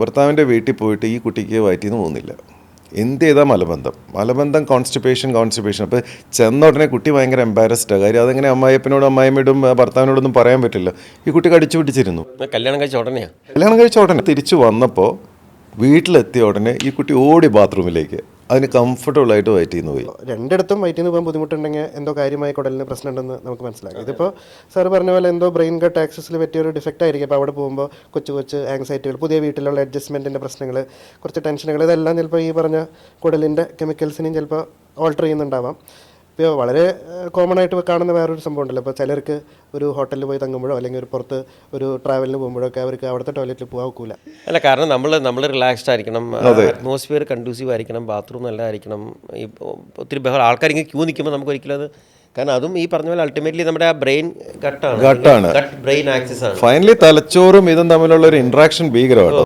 ഭർത്താവിൻ്റെ വീട്ടിൽ പോയിട്ട് ഈ കുട്ടിക്ക് വയറ്റിൽ നിന്ന് പോകുന്നില്ല. എന്ത് ചെയ്താൽ മലബന്ധം കോൺസ്റ്റിപ്പേഷൻ. അപ്പോൾ ചെന്ന ഉടനെ കുട്ടി ഭയങ്കര എംബാരസ്ഡാണ്. കാര്യം അതെങ്ങനെ അമ്മായിയപ്പനോടും അമ്മായിയമ്മയോടും ഭർത്താവിനോടൊന്നും പറയാൻ പറ്റില്ല. ഈ കുട്ടി കടിച്ചു പിടിച്ചിരുന്നു. കല്യാണം കഴിച്ച ഉടനെ തിരിച്ചു വന്നപ്പോൾ വീട്ടിലെത്തിയ ഉടനെ ഈ കുട്ടി ഓടി ബാത്റൂമിലേക്ക്. അതിന് കംഫർട്ടബിളായിട്ട് വയറ്റിൽ നിന്ന് പോയി. രണ്ടിടത്തും വയറ്റിൽ നിന്ന് പോകാൻ ബുദ്ധിമുട്ടുണ്ടെങ്കിൽ എന്തോ കാര്യമായ കുടലിന് പ്രശ്നമുണ്ടെന്ന് നമുക്ക് മനസ്സിലാക്കാം. ഇതിപ്പോൾ സാർ പറഞ്ഞ പോലെ എന്തോ ബ്രെയിൻ കട്ട് ആക്സസിൽ പറ്റിയൊരു ഡിഫക്റ്റ് ആയിരിക്കും. അപ്പോൾ അവിടെ പോകുമ്പോൾ കൊച്ചു ആങ്സൈറ്റികൾ, പുതിയ വീട്ടിലുള്ള അഡ്ജസ്റ്റ്മെൻറ്റിൻ്റെ പ്രശ്നങ്ങൾ, കുറച്ച് ടെൻഷനുകൾ, ഇതെല്ലാം ചിലപ്പോൾ ഈ പറഞ്ഞ കുടലിൻ്റെ കെമിക്കൽസിനെയും ചിലപ്പോൾ ഓൾട്ടർ ചെയ്യുന്നുണ്ടാവാം. ഇപ്പോൾ വളരെ കോമൺ ആയിട്ട് കാണുന്ന വേറൊരു സംഭവം ഉണ്ടല്ലോ. ഇപ്പോൾ ചിലർക്ക് ഒരു ഹോട്ടലിൽ പോയി തങ്ങുമ്പോഴോ അല്ലെങ്കിൽ ഒരു പുറത്ത് ഒരു ട്രാവലിന് പോകുമ്പോഴൊക്കെ അവർക്ക് അവിടുത്തെ ടോയ്ലറ്റിൽ പോകാൻ ഒക്കില്ല. അല്ല, കാരണം നമ്മൾ റിലാക്സ്ഡ് ആയിരിക്കണം, അറ്റ്മോസ്ഫിയർ കൺഡ്യൂസീവ് ആയിരിക്കണം, ബാത്റൂം നല്ലതായിരിക്കണം. ഈ ഒത്തിരി ആൾക്കാരിങ്ങനെ ക്യൂ നിൽക്കുമ്പോൾ നമുക്ക് ഒരിക്കലും അത്, കാരണം അതും ഈ പറഞ്ഞ പോലെ അൾട്ടിമേറ്റ്ലി നമ്മുടെ ആ ബ്രെയിൻ ഗട്ടാണ്, ബ്രെയിൻ ആക്സിസ് ആണ്. ഫൈനലി തലച്ചോറും ഇതും തമ്മിലുള്ള ഒരു ഇന്ററാക്ഷൻ ഭീകരമാണ്.